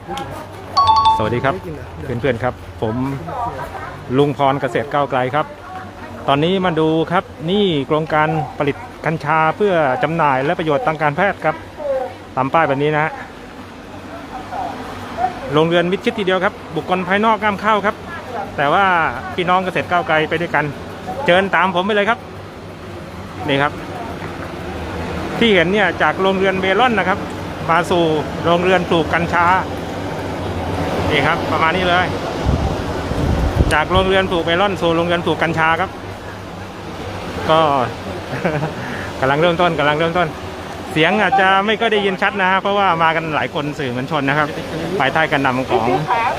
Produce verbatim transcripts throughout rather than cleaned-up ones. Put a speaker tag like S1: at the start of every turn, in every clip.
S1: สวัสดีครับเพื่อนๆครับผมลุงพรเกษตรก้าวไกลครับตอนนี้มาดูครับนี่โครงการผลิตกัญชาเพื่อจำหน่ายและประโยชน์ทางการแพทย์ครับตามป้ายแบบนี้นะฮะโรงเรือนมิดชิดทีเดียวครับบุคคลภายนอกห้ามเข้าครับแต่ว่าพี่น้องเกษตรก้าวไกลไปด้วยกันเชิญตามผมไปเลยครับนี่ครับที่เห็นเนี่ยจากโรงเรือนเมลอนนะครับมาสู่โรงเรือนปลูกกัญชานี่ครับประมาณนี้เลยจากโรงเรือนปลูกเมลอนสู่โรงเรือนปลูกกัญชาครับก็ กำลังเริ่มต้นกำลังเริ่มต้นเสียงอาจจะไม่ก็ได้ยินชัดนะเพราะว่ามากันหลายคนสื่อมวลชนนะครับภายใต้การนำของ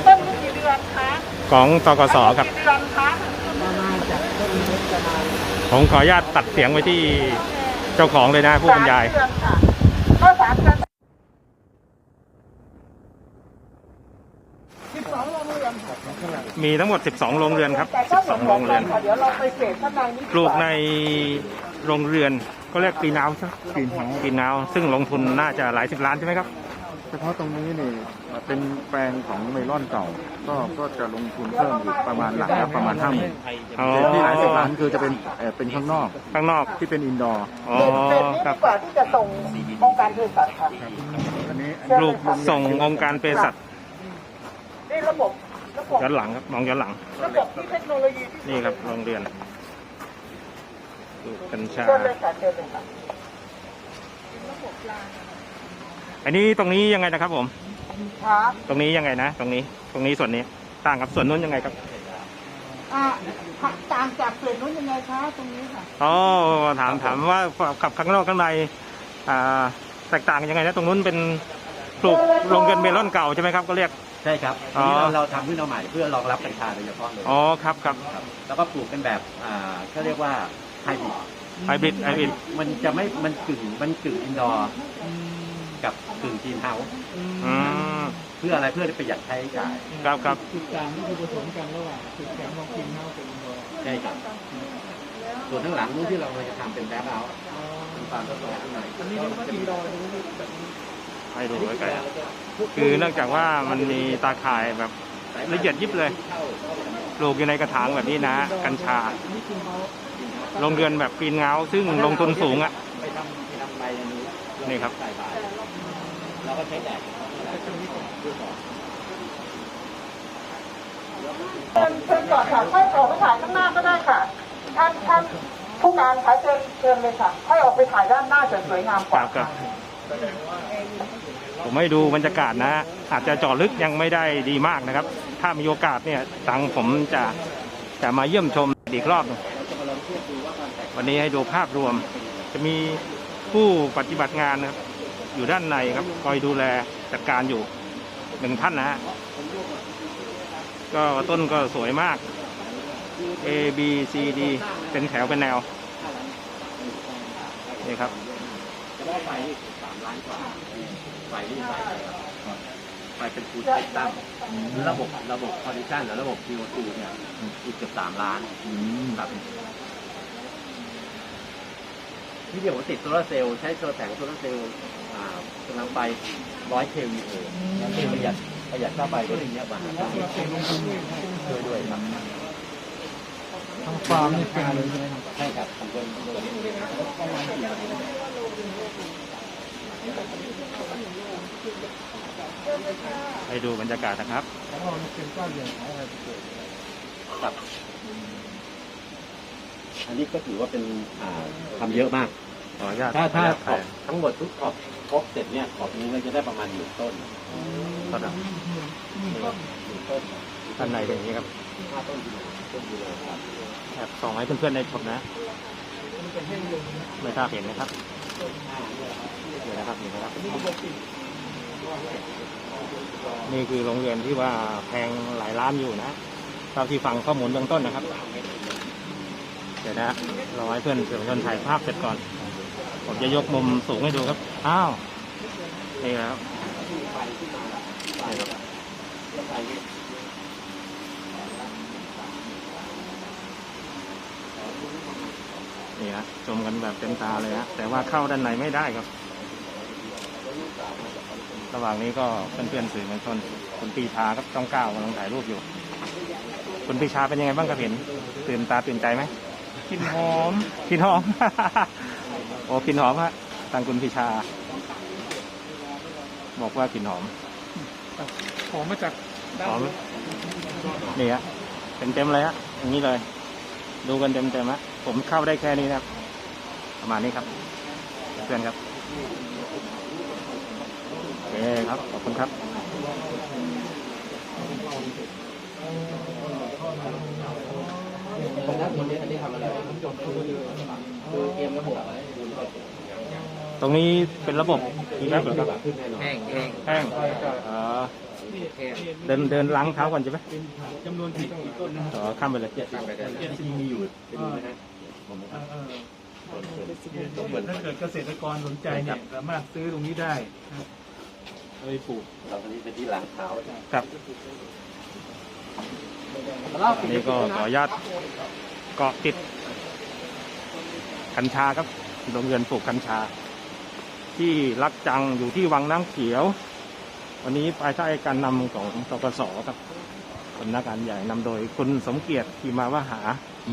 S1: ของตกสครับผมขออนุญาตตัดเสียงไว้ที่เจ้าของเลยนะผู้บรรยายมีทั้งหมดสิบสองโรงเรือนครับสิบสองโรงเรือนปลูกในโรงเรือนก็เรียกปีนาวใช่ไหมปีนาวปีนาวซึ่งลงทุนน่าจะหลายสิบล้านใช่ไหมครับ
S2: เฉพาะตรงนี้นี่เป็นแปลงของเมลอนเก่าก็ก็จะลงทุนเพิ่มอีกประมาณหลักละประมาณห้าหมื่นที่หลายสิบล้านคือจะเป็นเป็นข้างนอก
S1: ข้างนอก
S2: ที่เป็นอินดอร์
S1: อ๋อครับ
S3: กว่าที่จะส่งองค์การเภสัชค่ะ
S2: อันนี้
S1: ปลูกส่งองค์การเภสัช
S3: นี่ระบบ
S1: ย้อนหลังครับมองย้อนหลัง
S3: ระบบที่เทคโนโลยี
S1: นี่ครับโรงเรียนปลูกกัญชาอันนี้ตรงนี้ยังไงนะครับผมตรงนี้ยังไงนะตรงนี้ตรงนี้ส่วนนี้ต่างกับส่วนนู้นยังไงครับ
S3: อ่าต่างจากส่วนนู้นยังไงคะตรงนี้ค่ะ
S1: อ๋อถามถามว่าขับข้างนอกข้างในอ่าแตกต่างยังไงนะตรงนู้นเป็นปลูกโรงเรือนเมลอนเก่าใช่ไหมครับก็เรียก
S4: ใช่ครับอันนี้เราเราทำขึ้นมาใหม่เพื่อรองรับกัญชาโดยเฉพาะเลย
S1: อ๋อครับครับ
S4: แล้วก็ปลูกเป็นแบบอ่าเขาเรียกว่าไฮบริด
S1: ไฮบริดไฮบริด
S4: มันจะไม่มันกึ่งมันกึ่งอินดอร์กับกึ่งกรีนเฮาส์เพื่ออะไรเพื่อประหยัดค่าใช้จ่าย
S1: ครับครับ
S3: จุดกลางก็คือผสมกันระหว่างจุดแข็งของกรีนเฮาส์กับอินดอร์
S4: ใช่ครับส่วนข้างหลังนู้นที่เราจะทำเป็นแบ็คเอาท์เป็นฟาร์มทดลองข้างใน
S3: อันนี้เรียกว่าอินดอร์ตรงนี้แบบนี้
S1: ให้ดูไว้ไกลคือเนื่องจากว่ามันมีตาข่ายแบบละเอียดยิบเลยปลูกอยู่ในกระถางแบบนี้นะกัญชาโรงเรือนแบบปีนเงาซึ่งลงทุนสูงอ่ะนี่ครับ
S4: เราก็ใช้แดด
S3: เชิญเชิญก่อนค่ะค่อยออกไปถ่ายข้างหน้าก็ได้ค่ะท่านท่านผู้การคะเชิญเชิญเลยค่ะค่อยออกไปถ่ายด้านหน้าจะสวยงามกว่า
S1: ครับผมให้ดูบรรยากาศนะอาจจะเจาะลึกยังไม่ได้ดีมากนะครับถ้ามีโอกาสเนี่ยทางผมจะจะมาเยี่ยมชมอีกรอบวันนี้ให้ดูภาพรวมจะมีผู้ปฏิบัติงานนะครับอยู่ด้านในครับคอยดูแลจัดการอยู่หนึ่งท่านนะฮะก็ต้นก็สวยมาก A B C D เป็นแถวเป็นแนวนี่ครับ
S4: ไฟสามล้านกว่าไฟนี่ไฟไฟเป็นฟูลสเปกตรัมระบบระบบคอนดิชันหรือระบบ ซี โอ ทู เนี่ยอีกเกือบสามล้านครับที่เดียวผมติดโซลาร์เซลล์ใช้โซลาร์แสงโซลาร์เซลล์กำลังไปร้อยเควีโอประหยัดประหยัดค่าไฟก็อย่างเงี้ยบ้างด้วยด้วยครับ
S3: ทางฟาร์มนี่เป็นเลยใช่ไหมครับ
S4: ใช่ครับทำเป็น
S1: ให้ดูบรรยากาศนะครับ
S4: ครับอันนี้ก็ถือว่าเป็นทำเยอะมากถ้าถ้าขอบทั้งหมดทุกขอบครบเสร็จเนี่ยขอบนี้เราจะได้ประมาณหนึ่งต้น
S1: ต้นหนึ่งต้นด้านในเป็นอย่างนี้ครับ
S4: ห้าต้นต้นดีเลยครับ
S1: แอบส่องให้เพื่อนๆได้ชมนะไม่ทราบเห็นไหมครับเดี๋ยวนะครับเห็นไหมครับนี่คือโรงเรียนที่ว่าแพงหลายล้านอยู่นะเท่าที่ฟังข้อมูลเบื้องต้นนะครับเดี๋ยวนะรอให้เพื่อนสื่อมวลชนถ่ายภาพเสร็จก่อนผมจะยกมุมสูงให้ดูครับอ้าวนี่แล้วนี่ฮะชมกันแบบเต็มตาเลยฮะแต่ว่าเข้าด้านในไม่ได้ครับระหว่างนี้ก็เพื่อนๆสื่อมวลชนคุณปีชาครับช่องเก้ากำลังถ่ายรูปอยู่ คุณปีชาเป็นยังไงบ้างครับเห็นตื่นตาตื่นใจไหมกลิ่นหอมกลิ่นหอม โอ้กลิ่นหอมฮะทางคุณปีชา บอกว่ากลิ่นหอม
S3: หอมมาจาก
S1: หอมนี่ฮะเต็มเต็มๆเลยฮะอย่างนี้เลย ดูกันเต็มเต็มๆฮะผมเข้าได้แค่นี้นะครับประมาณนี้ครับเพื่อนครับโอเคครับขอบคุณครับตรงนี้เป็นระบบอีกแล้วเหรอครับ
S4: แห้งแห้ง
S1: แห้งอ๋อเดินเดินล้างเท้าก่อนใช่ไหม
S3: จำนวนสิบต้นนะ
S1: อ๋อข้ามไปเลย
S4: ที่มีอยู่เป็นนะฮะ
S3: เหมือนถ้าเกิดเกษตรกรสนใจเนี่ยสามารถซื้อตรงนี้ได้เอาไปปลูก
S4: เราตอนนี้เป็นที่ล้างเท้า
S1: ครับอันนี้ก็ขออนุญาตเกาะติดกัญชาครับโรงเรือนปลูกกัญชา ที่รักจังอยู่ที่วังน้ำเขียว วันนี้ภายใต้การนำของตกสครับสำนักงานใหญ่นำโดยคุณสมเกียรติที่มาวหา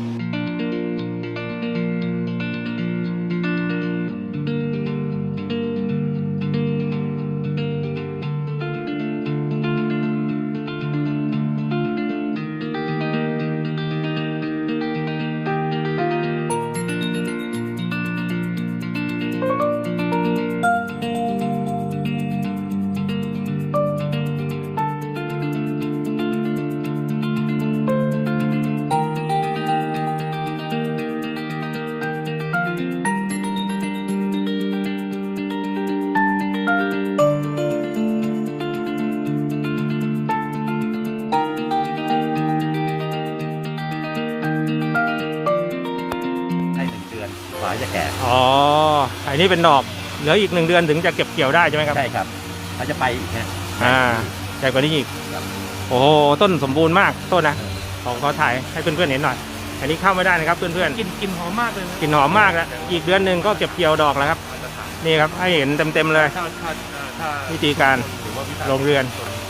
S4: ให้หนึ่งเดือนกว่าจะแก่
S1: อ๋ออันนี้เป็นดอกเหลืออีกหนึ่งเดือนถึงจะเก็บเกี่ยวได้ใช่ไหมครับ
S4: ใช่ครับเขาจะไปอีกฮะ
S1: อ่าใหญ่กว่านี้อีกโอ้โหต้นสมบูรณ์มากต้นนะขอขอถ่ายให้เพื่อนๆเห็นหน่อยอันนี้เข้าไม่ได้นะครับเพื่อนๆ
S3: กลิ่นกลิ่นหอมมากเลยนะ
S1: กลิ่นหอมมากแล้วอีกเดือนหนึ่งก็เก็บเกี่ยวดอกแล้วครับนี่ครับให้เห็นเต็มๆเลย
S3: ถ้าถ้าถ้า
S1: วิธีการลงเรือน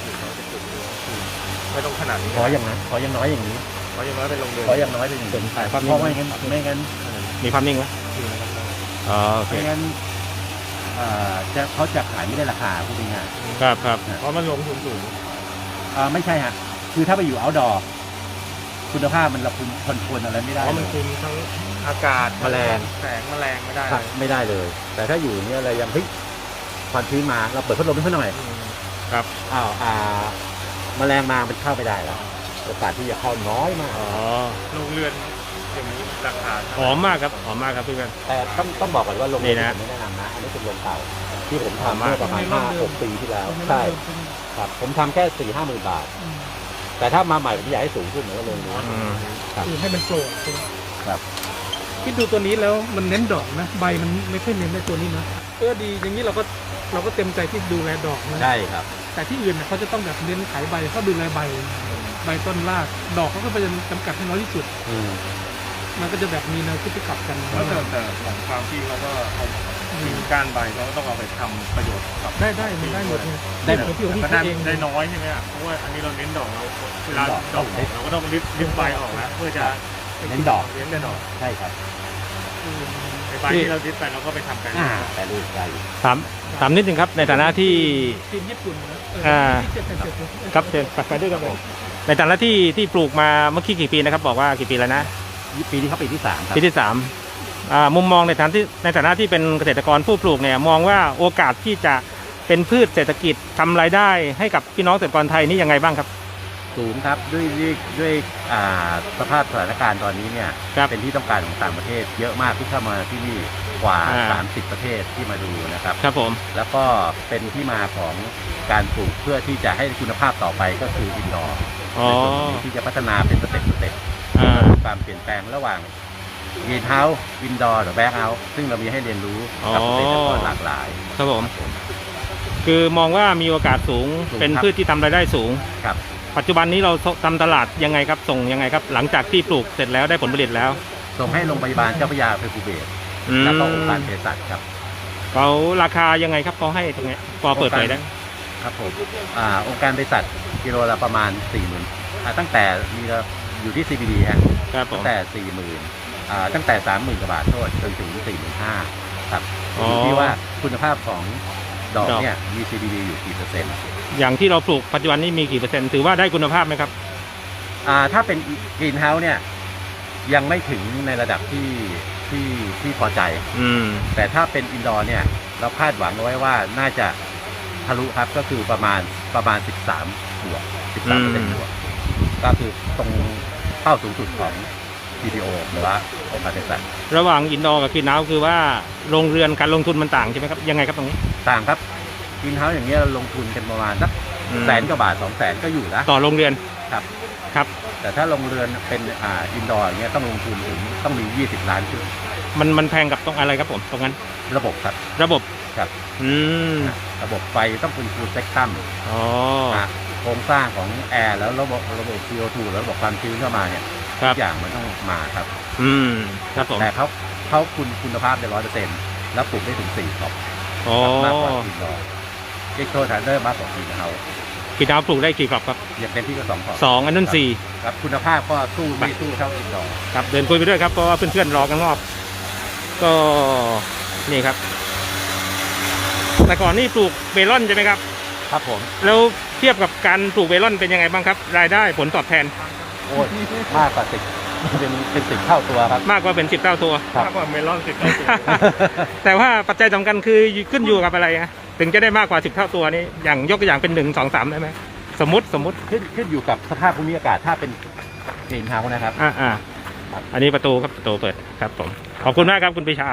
S3: ไม่ต้องขนาดนี้
S4: ขออย่างนั้นขออย่างน้อยอย่างนี้
S3: เพราะอย่างน้อยเป็นลงเรือน
S4: ขออย่างน้อยเป็นอย่างนี้
S1: ถ่ายภาพ
S4: เพ
S1: นิ่ง
S4: ราะไม่งั้นไม่งั้น
S1: มีภาพนิ่งไหมอ๋อโอเค
S4: ไม่งั้นเอ่อจะเขาจะขายไม่ได้ราคาพูดง่าย
S1: ครับครับ
S3: เพราะมันลงทุนสูง
S4: ๆเอ่อไม่ใช่ฮะคือถ้าไปอยู่ outdoor คุณภาพมันระคุมคอนโทรลอะไรไม่ได้
S3: เพราะมัน
S4: เลย
S3: คุมทั้งอากาศ
S4: แมลง
S3: แสงแมลงไม่ได้
S4: ครับไม่ได้เลย แต่ถ้าอยู่เนี่ยอะไรยังเฮ้ยความชื้นมาเราเปิดพัดลมให้เขาหน่อย
S1: ครับ
S4: อ้าวอ่าแมลงมามันเข้าไม่ได้แล้วโอกาสที่จะเข้าน้อยมาก
S1: อ๋อ
S3: ลงเรือนอย่างนี้ราคา
S1: หอมมากครับหอมมากครับเพื่อน
S4: แต่ต้องต้องบอกก่อนว่าโรง
S1: นี่
S4: เรียน
S1: นะ
S4: ผมไม่แนะนำนะอันนี้เป็นโรงเก่าที่ผม
S1: หอม
S4: ทำ
S1: มาก
S4: เมื่อประมาณห้าหกปีที่แล้วใช่ครับผมทำแค่สี่ห้าหมื่นบาท แต่ถ้ามาใหม่ผมอยากให้สูงขึ้นเหมือนกับโรงนู้น
S1: อืม
S3: คือให้มันโปร่ง
S4: ครับ
S3: คิดดูตัวนี้แล้วมันเน้นดอกนะใบมันไม่ค่อยเน้นในตัวนี้นะเออดีอย่างนี้เราก็เราก็เต็มใจที่ดูแลดอกนะ
S4: ใช่ครับ
S3: แต่ที่อื่นเนี่ยเขาจะต้องแบบเน้นขายใบเขาดูแลใบใบต้นรากดอกเขาก็พยายามจำกัดให้น้อยที่สุด
S4: อืม
S3: มันก็จะแบบมีแนวคิดที่กลับกัน
S5: แล้วแต่แต่ของฟาร์มที่เขาก็เอากิ่งก้านใบเขาก็ต้องเอาไปทำประโยชน์กับ
S3: ได้ได้มันได้หมดเลย
S4: ได้หมด
S3: ที่ของ
S5: แต่
S3: ที่
S5: ก็ได้
S3: เขาเอง
S5: ได้น้อยใช่ไหมอ่ะเพราะว่าอันนี้เราเน้นดอกเราเวลาดอกออกเราก็ต้องริบริบใบออกแล้วเพื่อจะ
S4: เน้นดอก
S5: เน้นแต่ดอก
S4: ใช่ครับ
S5: ไอ้ใบที่เราริบไปเราก็ไปทำกัน
S4: อ่าแต่รูปได้
S1: ถามถามนิดนึงครับในฐานะที่
S3: ทีมญี่ปุ่นนะเออ
S1: อ่า
S3: ที่เจ็ดเป็นเจ็ดเป็น
S1: ครับเชิญไปด้วยครับผมในฐานะที่ที่ปลูกมาเมื่อกี้กี่ปีนะครับบอกว่ากี่ปีแล้วนะ
S4: ปีนี้เขาปีที่สามครับ
S1: ปีที่สามอ่ามุมมองในฐานะที่ในฐานะที่เป็นเกษตรกรผู้ปลูกเนี่ยมองว่าโอกาสที่จะเป็นพืชเศรษฐกิจทำรายได้ให้กับพี่น้องเกษตรกรไทยนี่ยังไงบ้างครับ
S4: สูงครับด้วยด้วยด้วยอ่าสภาพสถานการณ์ตอนนี้เนี่ย
S1: ครับ
S4: เป็นที่ต้องการของต่างประเทศ เยอะมากที่เข้ามาที่นี่กว่า
S1: อ่า
S4: สามสิบประเทศที่มาดูนะครับ
S1: ครับผม
S4: แล้วก็เป็นที่มาของการปลูกเพื่อที่จะให้คุณภาพต่อไปก็คืออินดอร์
S1: อ๋อ
S4: ในส่วนนี้ที่จะพัฒนาเป็นสเต็ปสเต็ป
S1: อ่า
S4: ความเปลี่ยนแปลงระหว่างกรีนเฮาส์อินดอร์หรือแบ็กเฮาส์ซึ่งเรามีให้เรียนรู้กับเกษตรกรหลากหลาย
S1: ครับผมคือมองว่ามีโอกาสสูง
S4: สูง
S1: เป็น
S4: ครับ
S1: พืชที่ทำรายได้สูง
S4: ครับ
S1: ปัจจุบันนี้เราทำตลาดยังไงครับส่งยังไงครับ หลังจากที่ปลูกเสร็จแล้วได้ผลผลิตแล้ว
S4: ส่งให้โรงพยาบาลเจ้าพระยาอภัยภูเบศร
S1: อืม
S4: แล้วก็องค์การเภสัชครับ
S1: เขาราคายังไงครับเขาให้ตรงเนี้ยพอเปิดเผยได้
S4: ครับผมอ่าองค์การบริษัทกิโลละประมาณ สี่หมื่น อ่าตั้งแต่มีเราอยู่ที่ ซี บี ดี ฮะ
S1: ครับผม
S4: ตั้งแต่ สี่หมื่น อ่าตั้งแต่ สามหมื่น กว่าบาทโทษจนถึง สี่หมื่นห้าพัน ครับ
S1: อ๋อ
S4: อ
S1: อ
S4: ยู่ที่ว่าคุณภาพของดอก
S1: ดอก
S4: เนี่ยมี ซี บี ดี อยู่กี่เปอร์เซ็นต์
S1: อย่างที่เราปลูกปัจจุบันนี้มีกี่เปอร์เซ็นต์ถือว่าได้คุณภาพไหมครับ
S4: อ่าถ้าเป็นกรีนเฮาส์เนี่ยยังไม่ถึงในระดับที่ที่ที่พอใจ
S1: อืม
S4: แต่ถ้าเป็นอินดอร์เนี่ยเราคาดหวังเอาไว้ว่าน่าจะทะลุครับก็คือประมาณประมาณ สิบสาม บวก สิบสามเปอร์เซ็นต์
S1: อืม
S4: บวกก็คือตรงเป้าสูงสุดของ ที พี โอ หรือว่าองค์การบริษัท
S1: ระหว่างอินดอร์กับกรีนเฮาส์คือว่าโรงเรือนการลงทุนมันต่างใช่ไหมครับยังไงครับตรงนี้
S4: ต่างครับกรีนเฮาส์อย่างเงี้ยเราลงทุนกันประมาณสัก
S1: อืม
S4: แสนกว่าบาทสองแสนก็อยู่แล้ว
S1: ต่อโรงเรือน
S4: ครับ
S1: ครับ
S4: แต่ถ้าลงเรือนเป็นอ่าอินดอร์อย่างเงี้ยต้องลงทุนถึงต้องมี ยี่สิบ ล้านขึ้น
S1: มันมันแพงกับตรงอะไรครับผมตรงนั้น
S4: ระบบครับ
S1: ระบบ
S4: ครับ
S1: อืม
S4: ระบบไฟต้องเป็นฟูลเซกตัม
S1: อ๋อ
S4: โครงสร้างของแอร์แล้วระบบระบบ ซี โอ ทู แล้วระบบความชื้นเข้ามาเนี่ย
S1: ครั
S4: ทุ
S1: บ
S4: กอย่างมันต้องมาครับ
S1: อืมครับผม
S4: แต่เขาเขาคุณคุณภาพได้ร้อยเปอร์เซ็นต์แล้วปลูกได้ถึงสี่ขอบ
S1: อ๋อ
S4: มากกว่าอินดอร์เอ็กโททันเดอร์มากกว่าอินเฮาส์
S1: กรีนเฮาส์ปลูกได้กี่กรอบครับ
S4: อย่างเต็มที่ก็สองขอบ
S1: สองอันนั้นสี่
S4: ครับคุณภาพก็สู้ไม่สู้เท่าอินดอร์
S1: ครับเดินคุยไปด้วยครับเพราะว่าเพื่อนๆรอกันรอบก็นี่ครับ แต่ก่อนนี่ปลูกเมลอนใช่ไหมครับ
S4: ครับผม
S1: แล้วเทียบกับการปลูกเมลอนเป็นยังไงบ้างครับ รายได้ผลตอบแทน
S4: โอ้ยมากกว่าสิบเป็นเป็นสิบเท่าตัวครับ
S1: มากกว่าเป็นสิบเท่าตัว
S4: ครับ
S5: มากกว่าเมลอนสิบเท่าตัว
S1: แต่ว่าปัจจัยสำคัญคือขึ้นอยู่กับอะไรฮะถึงจะได้มากกว่าสิบเท่าตัวนี้อย่างยกตัวอย่างเป็นหนึ่งสองสามได้ไหมสมมติสมมติ
S4: ขึ้นขึ้นอยู่กับสภาพภูมิอากาศถ้าเป็นกรีนเฮาส์นะครับ
S1: อ่าอ่าอันนี้ประตูครับประตูเปิดครับผมขอบคุณมากครับคุณปิชา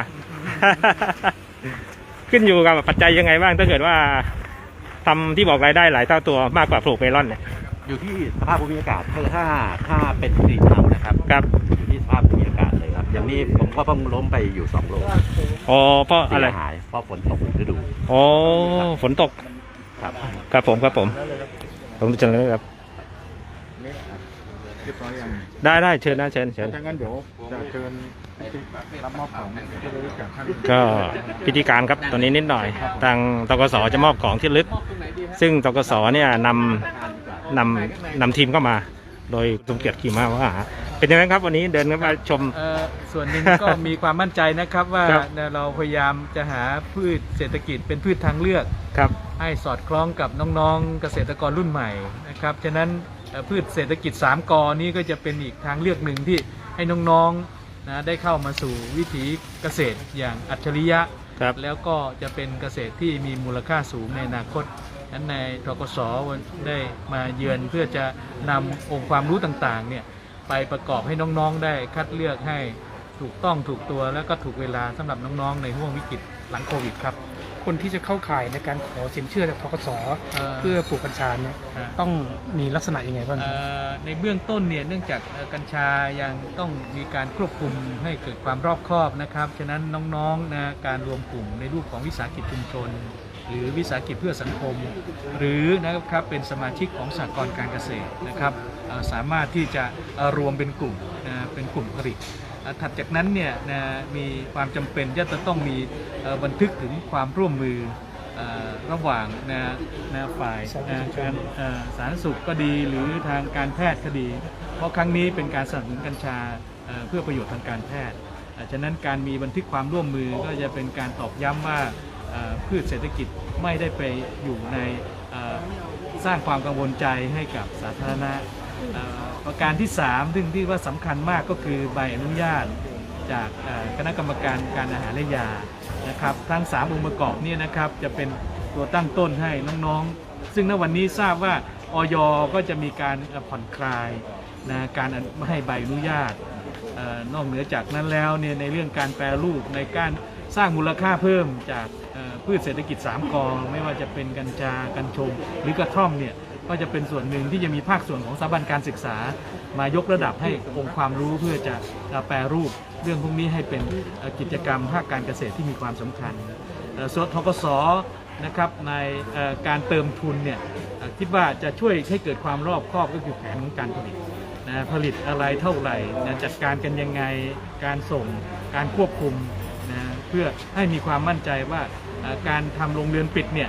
S1: ขึ้นอยู่กับปัจจัยยังไงบ้างถ้าเกิดว่าทำที่บอกรายได้หลายเท่าตัวมากกว่าปลูกเมลอนเนี่ย
S4: อยู่ที่สภาพภูมิอากาศคือถ้าถ้าเป็นกรีนเฮาส์นะครับ
S1: ครับ
S4: อยู่ที่สภาพภูมิอากาศเลยครับ อย่างนี้ผมก็เพิ่งล้มไปอยู่สองโล
S1: อ๋อเพราะ
S4: เสี
S1: อะไร
S4: ยหายเพราะฝนตกฤดู
S1: อ๋อฝนตก
S4: ครับ
S1: ครับผมครับผมผมจะเลยครับ
S2: นี่เรียบร้อยยัง
S1: ได้ได้เชิญนะเชิญเชิญ
S2: ถ้างั้นเดี๋ยวจะเชิญรับมอบของที่ระลึกจากท่าน
S1: ก็พิธีการครับตอนนี้นิดหน่อยทางตกสจะมอบของที่ระลึก ซึ่งตกสเนี่ยนำนำนำทีมเข้ามา โดยสมเกียรติขี่ม้าว่าเป็นยังไงครับวันนี้เดินเข้ามาชม
S6: เอ่อส่วนหนึ่งก็มีความมั่นใจนะครับว่า
S1: ครับ
S6: เราพยายามจะหาพืชเศรษฐกิจเป็นพืชทางเลือก
S1: ครับ
S6: ให้สอดคล้องกับน้องๆเกษตรกรรุ่นใหม่นะครับฉะนั้นเอ่อพืชเศรษฐกิจสามกอนี้ก็จะเป็นอีกทางเลือกหนึ่งที่ให้น้องๆนะได้เข้ามาสู่วิถีเกษตรอย่างอัจฉริยะ
S1: ครับ
S6: แล้วก็จะเป็นเกษตรที่มีมูลค่าสูงในอนาคตนั้นในทกสได้มาเยือนเพื่อจะนำองค์ความรู้ต่างๆเนี่ยไปประกอบให้น้องๆได้คัดเลือกให้ถูกต้องถูกตัวและก็ถูกเวลาสำหรับน้องๆในห่วงวิกฤตหลังโควิดครับ
S7: คนที่จะเข้าข่ายในการขอสินเชื่อจากธกส
S6: เอ่อ
S7: เพื่อปลูกกัญชาเนี่ย
S6: อ่า
S7: ต้องมีลักษณะยังไงบ้างค
S6: เอ่
S7: รับ
S6: อในเบื้องต้นเนี่ยเนื่องจากเอ่อกัญชายังต้องมีการควบคุมให้เกิดความรอบคอบนะครับฉะนั้นน้องๆนะการรวมกลุ่มในรูปของวิสาหกิจชุมชน หรือวิสาหกิจเพื่อสังคม หรือนะครับเป็นสมาชิกของสหกรณ์การเกษตรนะครับเอ่อสามารถที่จะเอ่อรวมเป็นกลุ่มนะเป็นกลุ่มผลิตเอ่อถัดจากนั้นเนี่ยนะมีความจำเป็นที่จะต้องมีเอ่อบันทึกถึงความร่วมมือเอ่อระหว่างนะนะฝ่ายนะการเอ่อสาธารณสุขก็ดีหรือทางการแพทย์ก็ดี เพราะครั้งนี้เป็นการสนับสนุนกัญชาเอ่อเพื่อประโยชน์ทางการแพทย์เอ่อฉะนั้นการมีบันทึกความร่วมมือก็จะเป็นการตอกย้ำว่าเอ่อพืชเศรษฐกิจไม่ได้ไปอยู่ในเอ่อสร้างความกังวลใจให้กับสาธารณะเอ่อประการที่สามซึ่งที่ว่าสำคัญมากก็คือใบอนุญาตจากเอ่อคณะกรรมการการอาหารและยานะครับทั้งสามองค์ประกอบเนี่ยนะครับจะเป็นตัวตั้งต้นให้น้องๆ ซึ่งณวันนี้ทราบว่าอย ก็จะมีการเอ่อผ่อนคลายนะการไม่ให้ใบอนุญาตเอ่อนอกเหนือจากนั้นแล้วเนี่ยในเรื่องการแปรรูปในการสร้างมูลค่าเพิ่มจากเอ่อพืชเศรษฐกิจสามกอไม่ว่าจะเป็นกัญชากัญชงหรือกระท่อมเนี่ยก็จะเป็นส่วนหนึ่งที่จะมีภาคส่วนของสถาบันการศึกษามายกระดับให้องค์ความรู้เพื่อจะเอ่อแปรรูปเรื่องพวกนี้ให้เป็นเอ่อกิจกรรมภาคการเกษตรที่มีความสำคัญเอ่อส่วนธกสนะครับในเอ่อการเติมทุนเนี่ยเอ่อคิดว่าจะช่วยให้เกิดความรอบคอบก็คือแผนของการผลิตนะผลิตอะไรเท่าไหร่นะจัดการกันยังไงการส่งการควบคุมนะเพื่อให้มีความมั่นใจว่าเอ่อการทำโรงเรือนปิดเนี่ย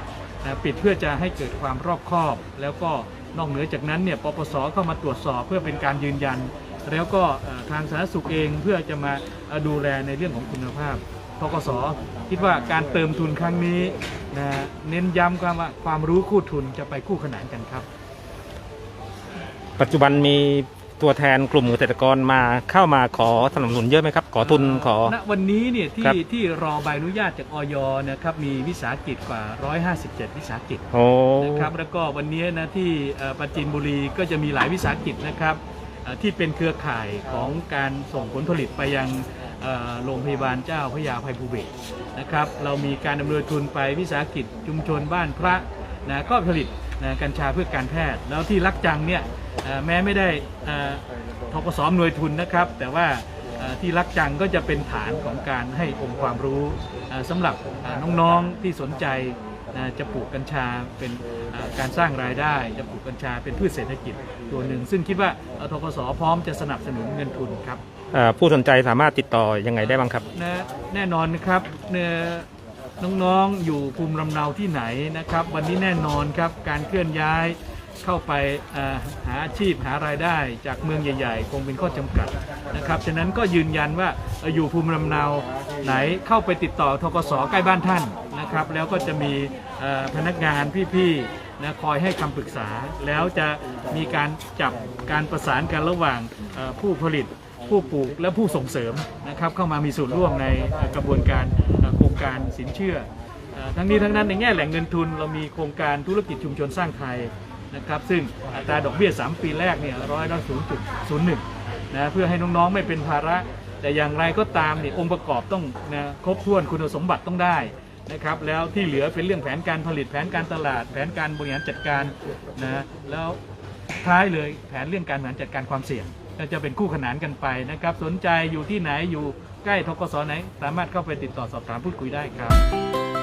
S6: นะปิดเพื่อจะให้เกิดความรอบคอบ แล้วก็นอกเหนือจากนั้นเนี่ยปปสเข้ามาตรวจสอบเพื่อเป็นการยืนยัน แล้วก็ทางสาธารณสุขเองเพื่อจะมาดูแลในเรื่องของคุณภาพธกส.คิดว่าการเติมทุนครั้งนี้นะเน้นย้ำว่าความรู้คู่ทุนจะไปคู่ขนานกันครับ
S1: ปัจจุบันมีตัวแทนกลุ่มเกษตรกรมาเข้ามาขอสนับสนุนเยอะไหมครับขอทุนขอ
S6: ณวันนี้เนี่ยที่
S1: ครับ
S6: ที่รอใบอนุญาตจากอย.นะครับมีวิสาหกิจกว่า หนึ่งร้อยห้าสิบเจ็ด วิสาหกิจ
S1: โอ้
S6: นะครับแล้วก็วันนี้นะที่เอ่อปราจีนบุรีก็จะมีหลายวิสาหกิจนะครับเอ่อที่เป็นเครือข่ายของการส่งผลผลิตไปยังเอ่อโรงพยาบาลเจ้าพระยาอภัยภูเบศรนะครับเรามีการดำเนินทุนไปวิสาหกิจชุมชนบ้านพระนะก็ผลิตนะกัญชาเพื่อการแพทย์แล้วที่ลักจังเนี่ยเอ่อแม้ไม่ได้เอ่อธกส.หน่วยทุนนะครับแต่ว่าเอ่อที่ลักจังก็จะเป็นฐานของการให้องค์ความรู้เอ่อสำหรับเอ่อน้องๆที่สนใจนะจะปลูกกัญชาเป็นเอ่อการสร้างรายได้จะปลูกกัญชาเป็นพืชเศรษฐกิจตัวหนึ่งซึ่งคิดว่าเอ่อธกส.พร้อมจะสนับสนุนเงินทุนครับ
S1: เอ่อผู้สนใจสามารถติดต่อยังไงได้บ้างครับ
S6: นะแน่นอนนะครับเนี่ยน้องๆอยู่ภูมิลำเนาที่ไหนนะครับวันนี้แน่นอนครับการเคลื่อนย้ายเข้าไปเอ่อหาอาชีพหารายได้จากเมืองใหญ่ๆคงเป็นข้อจำกัดนะครับฉะนั้นก็ยืนยันว่าเอ่ออยู่ภูมิลำเนาไหนเข้าไปติดต่อธกส.ใกล้บ้านท่านนะครับแล้วก็จะมีเอ่อพนักงานพี่ๆนะคอยให้คำปรึกษาแล้วจะมีการจับการประสานกันระหว่างเอ่อผู้ผลิตผู้ปลูกและผู้ส่งเสริมนะครับเข้ามามีส่วนร่วมในกระบวนการโครงการสินเชื่อทั้งนี้ทั้งนั้นในแง่แหล่งเงินทุนเรามีโครงการธุรกิจชุมชนสร้างไทยนะครับซึ่งอัตราดอกเบี้ยสามปีแรกเนี่ยร้อยละศูนย์จุดศูนย์หนึ่งนะเพื่อให้น้องๆไม่เป็นภาระแต่อย่างไรก็ตามเนี่ยองค์ประกอบต้องนะครบถ้วนคุณสมบัติต้องได้นะครับแล้วที่เหลือเป็นเรื่องแผนการผลิตแผนการตลาดแผนการบริหารจัดการนะแล้วท้ายเลยแผนเรื่องการบริหารจัดการความเสี่ยงก็จะเป็นคู่ขนานกันไปนะครับสนใจอยู่ที่ไหนอยู่ใกล้ธกส.ไหนสามารถเข้าไปติดต่อสอบถามพูดคุยได้ครับ